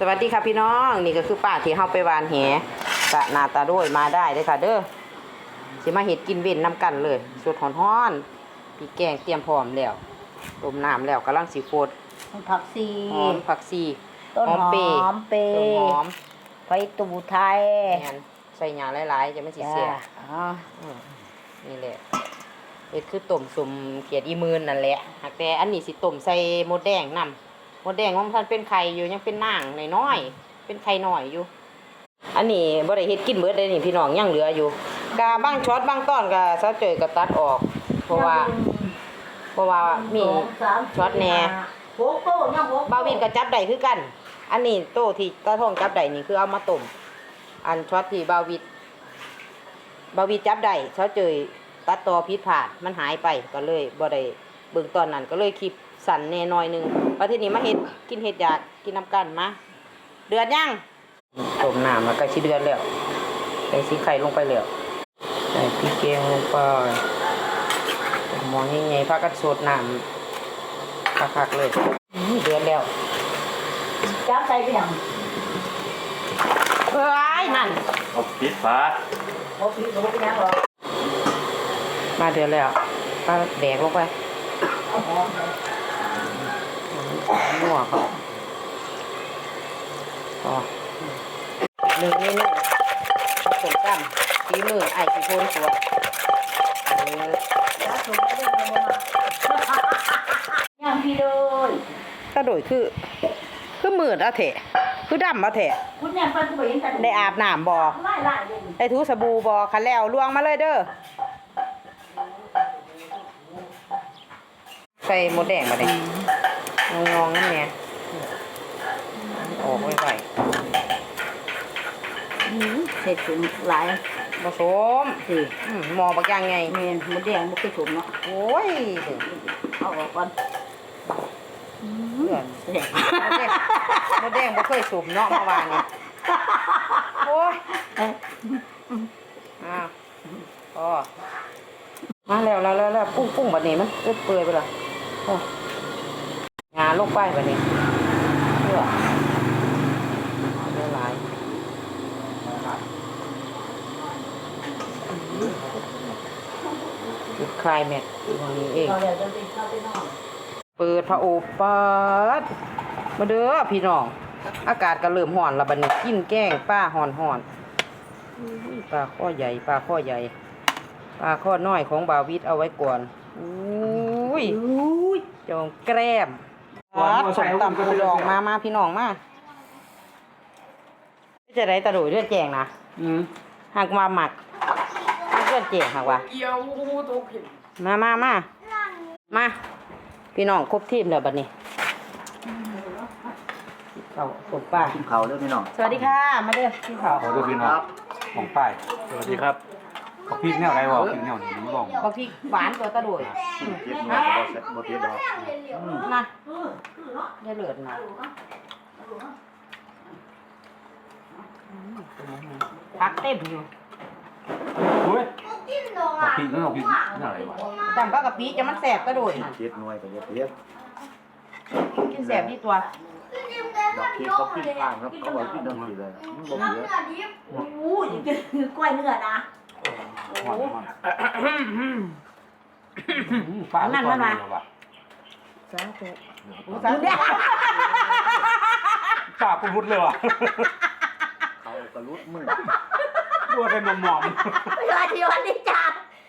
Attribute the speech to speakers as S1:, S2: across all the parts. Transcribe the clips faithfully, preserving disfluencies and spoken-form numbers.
S1: สวัสดีค่ะพี่น้องนี่ก็คือป้าที่เฮาไปวานแหกะนาตาด้วยมาได้เลยค่ะเด้อสิมาเฮ็ดกินเว้นน้ำกันเลยสดฮ้อนๆพี่แกงเตรียมพร้อมแล้วต้มน้ำแล้วกำลังสิโคตร
S2: ผักชี
S1: หอมผักชี
S2: ต้นหอมเปย์ต้นหอมไฟตูไทย
S1: แม่นใส่หญ้าหลายๆจะไม่สิเสีย
S2: อ๋อ
S1: นี่แหละเฮ็ดคือต้มสุ่มเขียดอีมื่นนั่นแหละหากแต่อันนี้สิต้มใส่มดแดงนำมดแดงของท่านเป็นไข่อยู่ยังเป็นนางน้อยๆเป็นไข่น้อยอยู่อันนี้บ่ได้เฮ็ดกินเบิดเลยนี่พี่น้องยังเหลืออยู่กะบางช็อตบางตอนก็ซะเจยก็ตัดออกเพราะว่าเพราะว่ามีช็อตแหน่บาวินก็จับได้คือกันอันนี้โตที่ตาทองจับได้นี่คือเอามาต้มอันช็อตที่บาวิดบาวิดจับได้ซะเจยตัดต่อผิดพลาดมันหายไปก็เลยบ่ได้เบิ่งตอนนั้นก็เลยคลิปสั่นแน่น้อยนึงว่าทีนี้มาเฮ็ดกินเฮ็ดอยากกินน้ำกันมาเดือดยังต้มน้ำแล้วก็สิเดือดแล้วใส่สีไข่ลงไปแล้วใส่พริกแกงลงไปมองยังไงพากันสดน้ำคักๆเลยเดือดแล้ว
S2: จับใส่ไปยัง
S1: เอ้ยนั่น
S3: เอาปิดฝา
S2: โอ้พี่รู้ไปยังหรอ
S1: มาเดือดแล้วก็แดกลงไปนัวเขาพอหนึ่งเมนูผสมกันฝีมือไอ้ขี้โพนตัว
S2: ยังพี่โดย
S1: กระโดดคือคือมืดอะเถะคือดำอะเถะ
S2: คุณยังเป็นผู้บริหาร
S1: ได้อาบน้ำบ่ได้ถูสบู่บ่คันแล้วลวงมาเลยเด้อใส่หมดแดงมาดิงงงนั่นเนี่ยออกไว้ไว้
S2: เสร็จถึงหลาย
S1: ผสมสิหมอบักยังไง
S2: เมนมดแดงมุกกระชุมเนาะ
S1: โอ้ย
S2: เอาออกก่อน
S1: เพื่อนมดแดงบ่เคยสูบเนาะเมื่อวานนี่โอ้ยอ้าวพอมาแล้วแล้วแล้วปุ้งปุ้งแบบนี้มันเปื่อยไปละงาลงไปแบบนี้เพื่อหลายจุดคลายแม็กตรงนี้เองเปิดพระโอษฐ์เปิดมาเด้อพี่น้องอากาศก็เริ่มห่อนแล้วบัดนี้กินแกงปลาห่อนห่อนปลาข้อใหญ่ปลาข้อใหญ่ปลาข้อน้อยของบาวิดเอาไว้ก่อนอุ้ยจองแกล้มสมตำปูดองมามาพี่น้องมาจะได้ตะโดยเลือดแจงนะหากมาหมักเลือดแจงหากว่ามามามามาพี่น้องครบทีมแล้วบัดนี้เขาสมป้า
S3: กินเขาเด้อพี่น้อง
S1: สวัสดีค่ะมาเด้อพี่เขา
S3: ขอเด้อพี่น้องของป้ายสวัสดีครับบักพริกแนวไรวะพริกแนวนี้มึงบอก
S1: บักพริกหวานตัวตะโดย
S3: เจ็บมาบ่เสร็จบ่เจ็บดอก
S1: มาอย่าเลือดนะพักเต็มอยู่
S3: เฮ้ยบักพริกนั่นบักพริกนั่นอะไรวะ
S1: จำก็กะปิจะมันแสบตะโดย
S3: เจ็บหน่วยก็เจ็บเจ็บ
S1: กินแสบที่ตัว
S3: บักพริกเขาพริกข้างครับเขาบอกพริกน้ำสีเลยมันบ่เหลือ
S2: โอ้ยคือกล้วยเนื้อนะ
S3: โอ้
S1: ปลานั่นมันมา
S2: สาธุ
S1: สาธุ
S3: ปากกูรุดเลยว่ะเขากระลุดมือรัวเป็นหมอม
S2: ๆสวัสดีวันนี้จ้า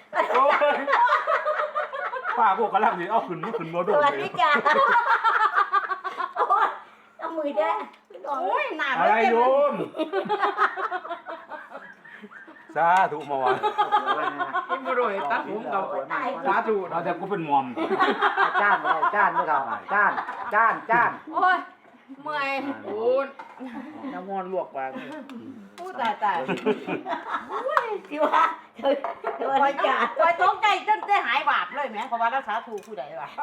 S3: ป้าพวกกระลังนี่เอาขึ้นขึ้นโมโด
S2: สวัสดีจ้าโอ้ยเอามือแด้
S1: โอ้ยหนา
S3: อะไรโยมสาธุมาวะ
S1: กินมาโดยตัดผมเก่าสาธุ
S3: เราแต่กูเป็นมอม
S2: จ้านไม่จ้านไม่เอาจ้านจ้านจ้าน
S1: โอ้ยเมื่อยโอ้ยน้ำมันลวกว่าผู้ตายตาย
S2: ที่ว่าที่ว่าจ้า
S1: ปล่อยท้องใจจนได้หายบาปเลยแม่เพราะว่ารักษาถูกผู้ใดวะ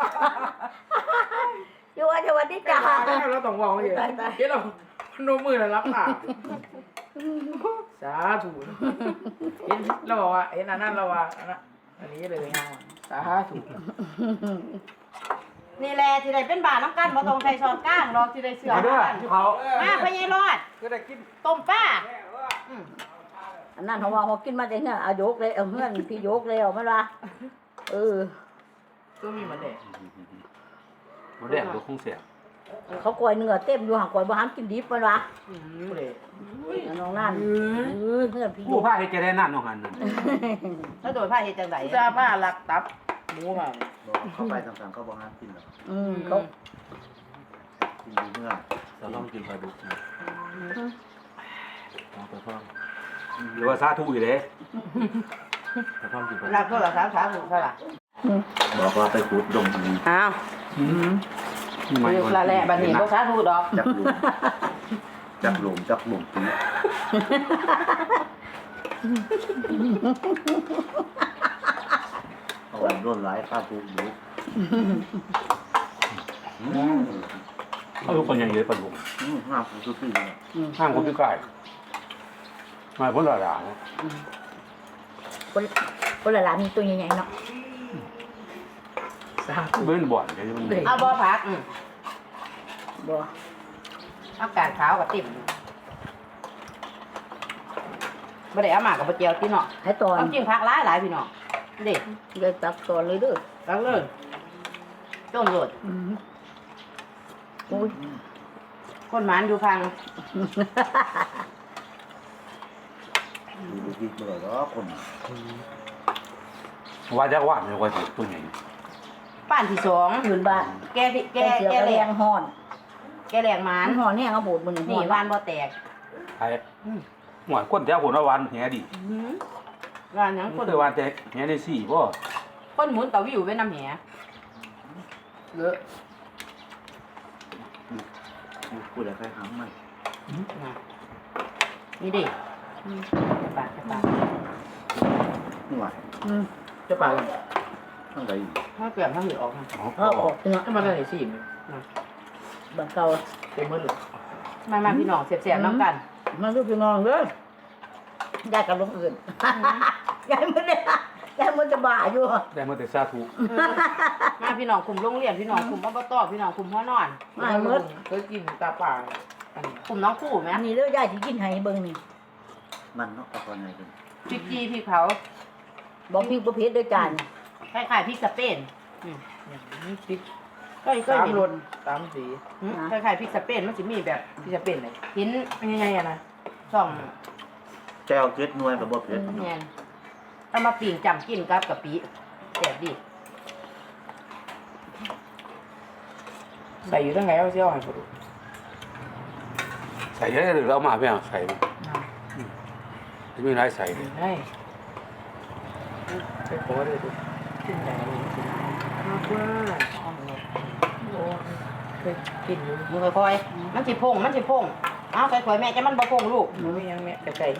S2: ที่ว่าที่ว่าที่จ้า
S1: เราต้องบอกอยู่ที่เราพนมมือแล้วรับปากสาธุเห็นเราบอกว่าเห็นอันนั้นเราว่าอันนี้เลยงานสาธุนี่แหละที่ได้เป็นบาทน้ำกันบ่ต้องใส่ช้อนกลางดอกที่ได้เสือ
S3: มาเด้อ
S1: กัน
S3: ที่เขา
S1: มาพะยายรอด
S3: ก็ได้กิน
S1: ต้มปลาอืม
S2: อันนั้นเขาว่าเขากินมาแต่เงี้ยเอายกเลยเอาเงื่อนพี่ยกเลยเอามาละเออ
S1: ก็มีมันเด็ด
S3: มาแดงดูคงเสีย
S2: เขากล้วยเนื้อเต็มอยู่ห่างกล้วยบ่ห้ามกินดิบมันวะ
S1: อืมเด็ด
S2: น้องนั่นเออเงื่อนพี่ย
S3: ผู้
S2: ก
S3: พาให้แกได้นั่นของหันนั่น
S1: ถ้าโดยผ้าเฮ็ดจังไดจ้าผ้าลักตับหมูมา
S4: เข้าไปต่างๆเขาบอกห้ามกินหรอก
S2: อืมเขา
S4: กินดีเมื่อ
S3: เราต้องกินปลาดุกนะเอาไปฟังหรือว่าซาทุอยู่เลยไปฟังกินปลาดุก
S1: รับโทรศัพท์สาธุเท่าไหร่
S4: บอกว่าไปขุดดงนี้
S1: อ้าว
S3: อืม
S1: อยู่ละแหละบัดนี้บ่สาธุดอก
S4: จักหลุมจักหลุมจักหลุมปีเอาไว้ร่นหลายข้าทุกยุค
S3: เขาทุกคนยังเยอะปลาดุก
S4: ห้ามทุกปีเลย
S3: ห้างคนพิการมาพ้นระดับ
S2: คนคนละหลานมีตัวใหญ่ๆเนาะ
S3: เบิ้ลบ่อนแกจะมัน
S1: เอาบ่ผักอืม
S2: บ่
S1: อากาศขาวกับติ่มบ่ได้เอามากับบ่เจียวติเนาะ
S2: ให้ตอน
S1: ต้องกินผักหลายหลายพี่น้องเด็ด
S2: เลยตักตอนเลยเด้อ
S1: ตักเลยต้มโลด
S2: อืมโอ้ย
S1: คนหมานอยู่พัง
S4: ดูดีๆเลยก็คน
S3: ว่าจะว่าไม่ว่าจะตัวใหญ่
S1: ป้านที่สอง
S2: หมื่นบาท
S1: แกที่แก
S2: แกเสีย
S1: แก
S2: กระ
S1: แร
S2: แรง งห่อน
S1: แกแรงหมาน
S2: อันห่อนเนี่ยเขาบูดมัน
S1: นี่วานบ่แตก
S3: ไอ้หวานก้นแถวผลวันแหดี
S1: อื้อวานหยัง
S3: ค
S1: คน
S3: นเดียววันแต่แหได้สี่ป่ะ
S1: คนหมุนเตาวิวไว้น้ำแหเลอะ
S4: พูดอะไรใครหามไหม
S1: นะนี่ดิจะปากจะปาก
S4: นี่หว่า
S2: อืม
S1: จะปาก
S4: ทั้งใด
S1: ถ้าเปลี่ยนถ้าหืดออกนะ
S3: อ๋อ
S2: เอาออกเนาะ
S1: ก็มาได้สี่นะ
S2: บังเก่า
S1: เต็มมือเลยมามาพี่น้องเสียบๆน้ำกัน
S2: มาลูกพี่น้องเด้อยายกับลงอื่นยายมันเนี่ยยายมันจะบ้าอยู่
S3: ได้มาแต่ซาทุ
S1: มาพี่น้องคุมโรงเรียนพี่น้องคุมอบตพี่น้องคุมพ่อนอน
S2: มาเมื่อ
S1: เคยกินตาป่าคุมน้องคู่ไหม
S2: อันนี้เด้อยายสิกินให้เบิ่งนี่
S4: มันเนาะตะกอนไหนกัน
S1: พริกจีพริกเผา
S2: บอกพี่บ่เผ็ดเด้อจาน
S1: คล้ายๆพริกสเปนอืม
S5: นี่พริก
S1: ก็ก็
S5: สาม
S1: เห็น
S5: รสสามสี
S1: อืมคล้ายๆพริกสเปนมันจะมีแบบ
S5: ที่จะเป็นอะไร
S1: เห็น
S5: เป็นยังไงอะนะ
S1: ช่อง
S4: แก้วเจ็ดหน่วยกับบ่เผ็ด
S1: แมนเอามาปิ้งจำกินกับกะปิแซ่บดี
S5: ใส่อยู่ตั้งไงเอาเสี้ยวให้ผมดู
S3: ใส่เยอะหรือเรามาไม่เอาใส่ไม่มีไรใส่เลย
S5: ให้ไปขอเลยดูขึ้นใจเลยมากว่าโอ้เคยกินอยู่
S1: มือค่อยๆมันสิพงมันสิพงเอาใส่ถ้วยแม่จะมันบ่พงลูก
S5: มันไม่ยังแม่แต่ใจ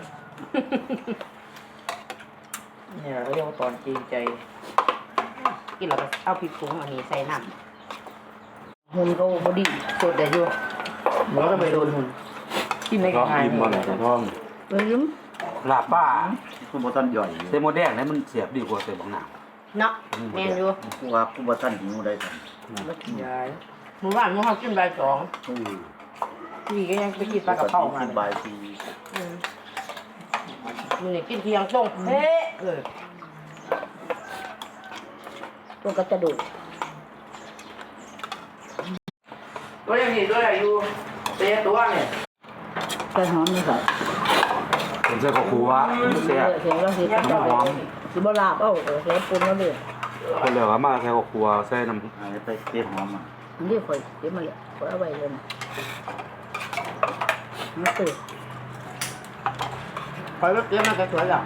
S5: เนี่ยเขาเรียกว่าตอนจริงใจ
S1: กินแล้วก็เอาพริกผงอันนี้ใส่น้
S2: หุ่นเขาบ่ดี
S1: ำสดได้อยู่
S5: หัวก็ไปโดนหุ่นกินในก
S3: ก็
S5: ระทะ
S3: อิ่มมาเลยท้อง
S2: เอ้ย
S3: ลาบป้า
S4: คุณบ่ทันย่อย
S3: เซโมแดงนี่มันเสียบดีกว่าเซบางหนา
S1: เนาะแม่นอยู่
S4: กูว่ากูบ่ทันหิวได้ทัน
S5: ยาย
S1: หมู่บ้านหมู่เฮากินใบายสอง
S4: อู้
S5: พี่ก็ยังไปกินปลากระเพรามา
S4: กิน
S5: เลย
S4: บายที
S1: อืมมื้อนี้กินเที่ยงตรงเฮ้เออ
S2: ตัวก็จะดูด
S5: ตัวยังนี่ด้วยอายุเตะตัวเนี่ย
S2: ใส่หอมนี่ค่ะ
S3: ผมใส่ข้าวคั่วเสียบ
S2: เสียงเราสิ
S3: น้ำหอม
S2: สิบ่ลาบเอ้าเออเสียปุ่นแล้วเลย
S3: คนเหลือมาใส่ข้าวคั่วใส่น้ำ
S4: หายไปเก็บหอมอ่ะ
S2: อันนี้ข่อยเดี๋ยวมาเลยข่อยเอาไว้เลยนะมาตื่น
S1: คอยรถเตรียมมันก็สวยแล้ว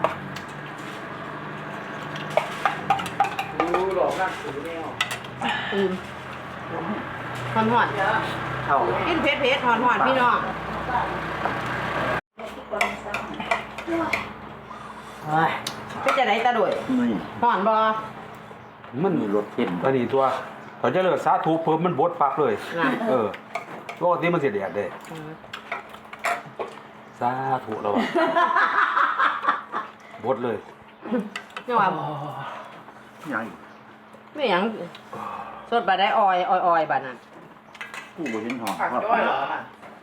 S5: ดูหลอกนักสือแนว
S2: ตื่น
S1: หอนหอน
S4: เท่า
S1: กินเผ็ดเผ็ดหอนหอนพี่น้องเฮ้ยเป็นจะไหนตาโดย
S4: นี่
S1: หอนบ่
S3: มัน
S4: มีรสเค็ม
S3: อันนี้ตัวเขาจะเลิกสาธุเพิ่มมันบดปักเลย
S1: นะ
S3: เออปกติมันเสียแดดเด้สาธุแล้วอ่ะบดเลย
S1: เนี่ยว่า
S4: ใหญ่
S1: ไม่หยังสดบาดได้ออยออยออยบาดนั้น
S4: กูบ่เห็นหอม
S5: ผักจ้อยเหรอค่ะ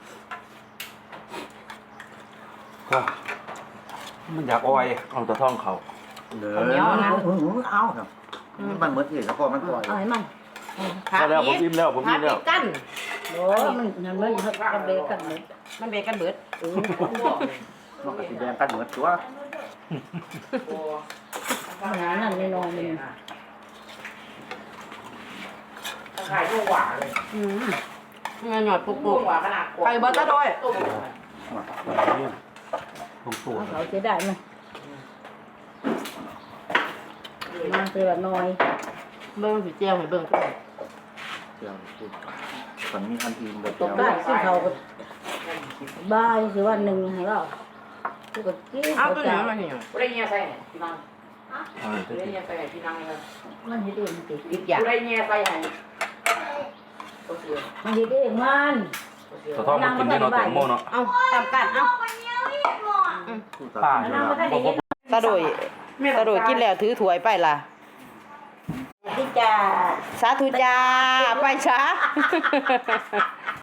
S3: ก็มันอยากอ้อย
S4: เอาแตะท่องเขาเด้อเอาครับมันหมดที่แล้วพอมันปล่อย
S2: เอาให้มัน
S1: ผั
S3: พอแล้วผม
S1: อี
S3: อิ่มแล้วผมอิ่มแล้ว
S1: ผักอีกกัน
S2: โอ้มันมันมันมันเบรกกันเลย
S1: มันเบรกกันเบิด
S2: เออ
S4: นอกจากสีแดงกันหมดตัว
S2: ขนาดนั้นไม่นอนเลย
S5: ขายลูกหวานเลย
S1: อืมเงินหยอดปุก
S5: ลู
S1: ปุ
S5: ก
S1: ก
S5: หวานขนาด
S1: ไปเบิดซะด้วย
S5: ต้ม
S3: ตรงตัว
S2: เขาจะได้ไหมมาคือแบบน้อย
S1: เบิ่งสิเจียวให้เบิ่งก่อน
S4: เดี๋ยวพูดตอนนี้อันอื่นแบบ
S2: ตกได้ซึ่งเขาก็บ้าคือวันหนึ่งให้เราทุกคนกิน
S1: เอา
S2: เขา
S1: ตัว
S2: จะ
S1: นี้มาให้หน่อย
S5: กูได้เงี้ยใส่ไหนพี่น้อง
S3: เออ
S5: กูได้เงี้ยใส่ไหนพี่น้องเลย
S2: มันเฮ็ดเองสิ
S1: อีกอย่าง
S5: กูได้เงี้ยใส่ไหนโอเค
S2: มันเฮ็ดเองมัน
S5: โอเค
S3: สะท้อนมากินได้เนาะแตงโมเนาะ
S1: เอาตามกันเอา
S3: ป้า
S2: น้ำมันก็ได้
S3: บ่
S2: เฮ็ด
S1: ตาโดยตาโดยกินแล้วถือถ้วยไปล่ะ
S2: ที่จะ
S1: สาธุจ้าไปช้า